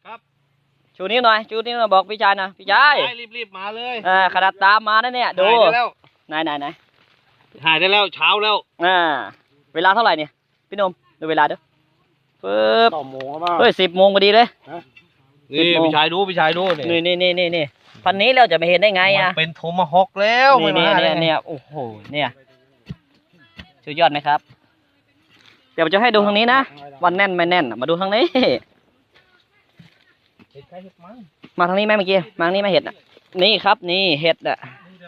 ครับชูนิ้วหน่อยชูนิ้วหน่อยบอกพี่ชายนะพี่ชายรีบมาเลยขนาดตามมานะเนี่ยดูไหนถ่ายได้แล้วเช้าแล้วเวลาเท่าไหร่เนี่ยพี่นมดูเวลาเด้อปึ๊บต่อโมงครับเฮ้ย10 โมงพอดีเลยนี่พี่ชายดูนี่พันนี้เราจะไม่เห็นได้ไงอ่ะเป็นโทมาฮอกแล้วเนี่ยโอ้โหเนี่ยสุดยอดไหมครับเดี๋ยวจะให้ดูทางนี้นะวันแน่นไม่แน่นมาดูทางนี้มาทางนี้ไหมเมื่อกี้มาทางนี้ไม่เห็ดอ่ะนี่ครับนี่เห็ดอ่ะ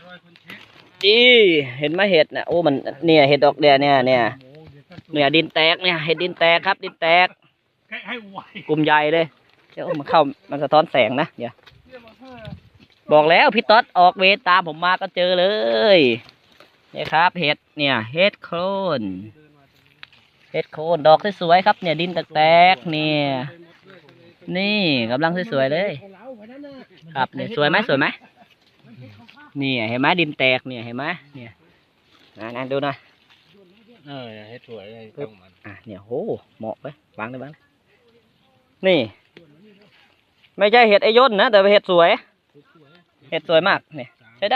เห็นไหมเห็ดน่ะโอ้มันเนี่ยเห็ดดอกเดียเนี่ยดินแตกเนี่ยเห็ดดินแตกครับดินแตกกลุ่มใหญ่เลยเดี๋ยวมันเข้ามันสะท้อนแสงนะเดี๋ยวบอกแล้วพี่ต๊อดออกเวรตามผมมาก็เจอเลยนี่ครับเห็ดเนี่ยเห็ดโคนดอกสวยๆครับเนี่ยดินแตกเนี่ยนี่กำลังสวยๆเลยครับเนี่ยสวยไหมนี่เห็นไหมดินแตกเนี่ยเห็นไหมเนี่ยนั่นดูหน่อยให้สวยเลยต้องมันเนี่ยโหเหมาะไปวางได้บ้างนี่ไม่ใช่เห็ดไอย่นนะแต่เป็นเห็ดสวยมากเนี่ยใช้ได้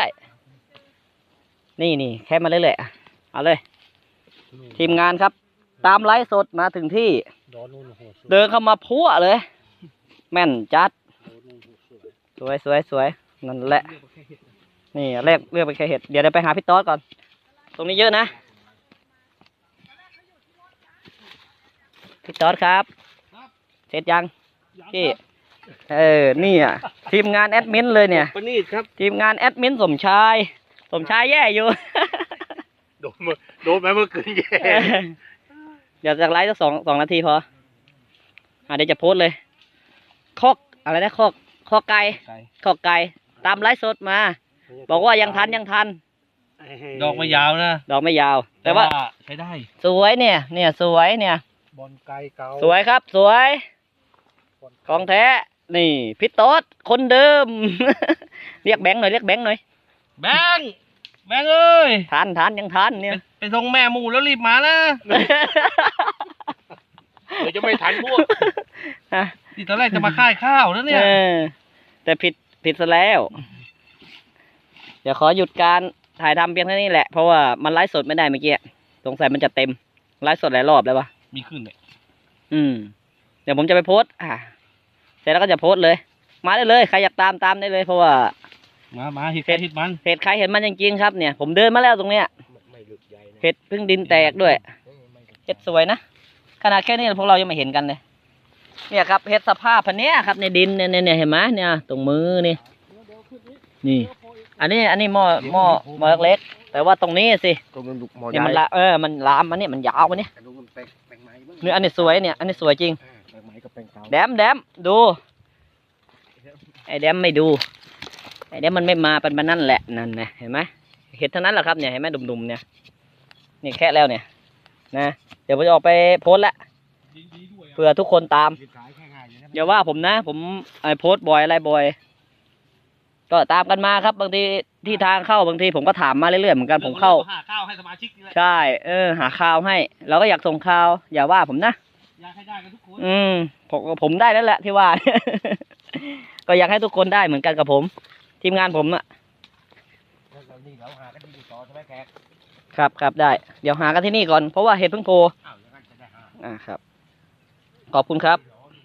นี่แค่มาเรื่อยๆเอาเลยทีมงานครับตามไลฟ์สดมาถึงที่เดินเข้ามาพัวเลยแม่นจัดสวยนั่นแหละนี่เลือกไปแค่เห็ดเดี๋ยวไปหาพี่ต๊อดก่อนตรงนี้เยอะนะพี่ต๊อดครับเสร็จยังพี่นี่อ่ะทีมงานแอดมินเลยเนี่ยทีมงานแอดมินสมชายแย่อยู่โดนไหมเมื่อคืนแย่เดี๋ยวจะไลฟ์สักสองนาทีพอเดี๋ยวจะโพสเลยคอกอะไรนะคอกไก่ตามไลฟ์สดมาบอกว่ายังทันดอกไม่ยาวนะดอกไม่ยาวแต่ว่าใช้ได้สวยเนี่ยสวยเนี่ยบอลไก่เก่าสวยครับสวยของแท้นี่พี่โต๊ดคนเดิม เรียกแบงค์หน่อยแบงค์เอ้ยทันยังทันเนี่ยไปส่งแม่หมูแล้วรีบมานะเดี๋ยวจะไม่ทันพวกที่ตอนแรกจะมาค่ายข้าวแล้วเนี่ยแต่ผิดซะแล้วเดี๋ยวขอหยุดการถ่ายทำเพียงเท่านี้แหละเพราะว่ามันไลฟ์สดไม่ได้เมื่อกี้สงสัยมันจะเต็มไลฟ์สดหลายรอบแล้ววะมีขึ้นเลยเดี๋ยวผมจะไปโพสเสร็จแล้วก็จะโพสเลยมาได้เลยใครอยากตามได้เลยเพราะว่ามาเห็ดใครเห็ดมันจริงๆครับเนี่ยผมเดินมาแล้วตรงเนี้ยเห็ดพึ่งดินแตกด้วยเห็ดสวยนะขนาดแค่นี้พวกเรายังไม่เห็นกันเลยเนี่ยครับเห็ดสภาพพันนี้ครับในดินเนี่ยเห็นไหมเนี่ยตรงมือนี่อันนี้หม้อเล็กแต่ว่าตรงนี้สิเนี่ยมันมันลามมันเนี่ยมันยาวมันเนี่ยอันนี้สวยเนี่ยอันนี้สวยจริงแดมดูไอแดมไม่ดูไอแดมมันไม่มาเป็นมันนั่นแหละนั่นนะเห็นไหมเห็ดเท่านั้นแหละครับเนี่ยเห็นไหมดุมๆเนี่ยนี่แค่แล้วเนี่ยนะเดี๋ยวผมจะออกไปโพสละเพื่อทุกคนตามอย่าว่าผมนะผมโพสบ่อยอะไรบ่อยก็ตามกันมาครับบางทีที่ทางเข้าบางทีผมก็ถามมาเรื่อยๆเหมือนกันผมเข้าหาข้าวให้สมาชิกใช่หาข้าวให้เราก็อยากส่งข้าวอย่าว่าผมนะอยากให้ได้กันทุกคนผมได้แล้วแหละที่ว่า ก็อยากให้ทุกคนได้เหมือนกันกับผมทีมงานผมน่ะครับได้เดี๋ยวหากันที่นี่ก่อนเพราะว่าเห็ดเพิ่งโผล่ครับขอบคุณครับ